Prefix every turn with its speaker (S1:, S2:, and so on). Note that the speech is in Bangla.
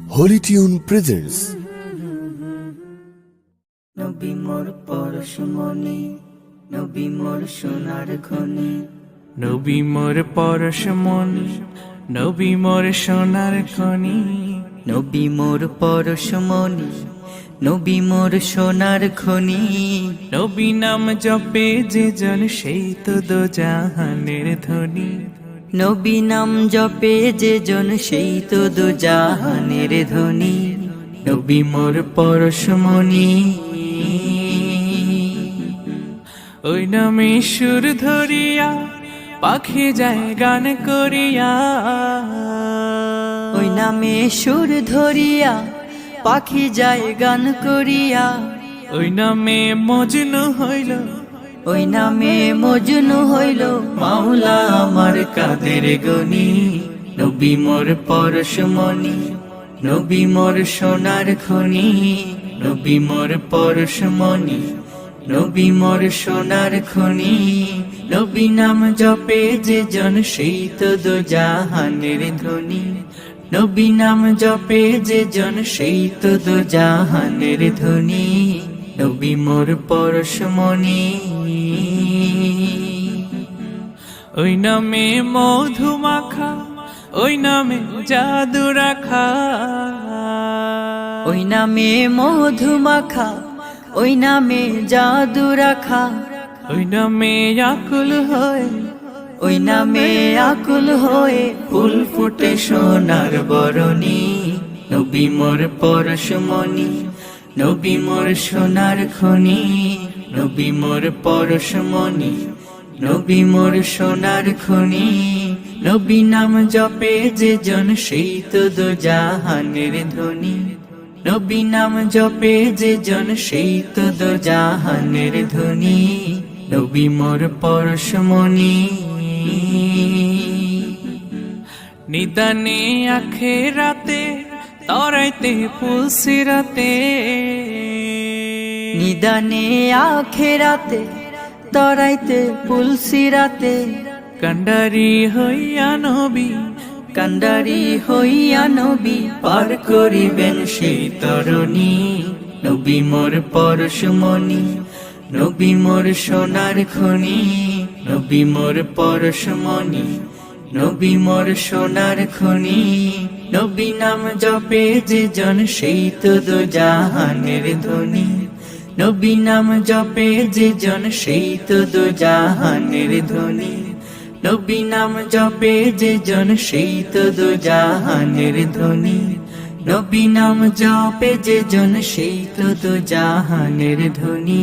S1: Holi tune presents.
S2: নবী মোর পরশমণি, নবী মোর সোনার খনি,
S3: নবী মোর পরশমণি, নবী মোর সোনার খনি।
S2: নবী মোর পরশমণি, নবী মোর সোনার খনি।
S3: নবী নাম জপে যে জন সেই তো দো জাহানের ধ্বনি।
S2: নবী নাম জপে যে জন সেই তো দু জাহানের ধ্বনি।
S3: নবী মোর পরশমণি, ওই নামে সুর ধরিয়া পাখি যায় গান করিয়া।
S2: ওই নামে সুর ধরিয়া পাখি যায় গান করিয়া।
S3: ওই নামে মজনু হইল,
S2: ওই নামে মজনু হইল মাওলা আমার কাদের গনি।
S3: নবী মোর পরশমণি, নবী মোর সোনার খনি। নবী মোর পরশমণি, নবী মোর সোনার খনি। নবী নাম জপে যে জন সেই তো দো জাহানের ধ্বনি। নবী নাম জপে যে জন সেই তো দো জাহানের ধ্বনি। নবী মোর পরশমণি, ওই নামে মধু মাখা, ওই নামে জাদু রাখা।
S2: ওই নামে মধু মাখা, ওই নামে জাদু রাখা।
S3: ওই নামে আকুল হয়ে,
S2: ওই নামে আকুল হয়ে
S3: ফুল ফুটে সোনার বরণী। নবী মোর পরশমণি, নবী মোর সোনার খনি। নবী মোর পরশমণি, নবী মোর সোনার খনি। নবী নাম জপে যে জন সেই তো দো জাহানের ধ্বনি। নবী নাম জপে যে জন সেই তো দো জাহানের ধ্বনি। নবী মোর পরশমণি, নিদানে আখেরাতে তরাইতে পুলসিরাতে।
S2: নিদানে আখেরাতে তরাইতে পুলসিরাতে।
S3: কান্ডারি হইয়া নবী,
S2: কান্ডারি হইয়া নবী
S3: পার করিবেন সেই তরণী। নবী মোর পরশমণি, নবী মোর সোনার খনি। নবী মোর পরশমণি, নবী মোর সোনার খনি। নবী নাম জপে যে জন সেই তো দো জাহানের ধ্বনি। নবী নাম জপে যে জন সেই তো দো জাহানের ধ্বনি। নবী নাম জপে যে জন সেই তো দো জাহানের ধ্বনি। নবী নাম জপে যে জন সেই তো দো জাহানের ধ্বনি।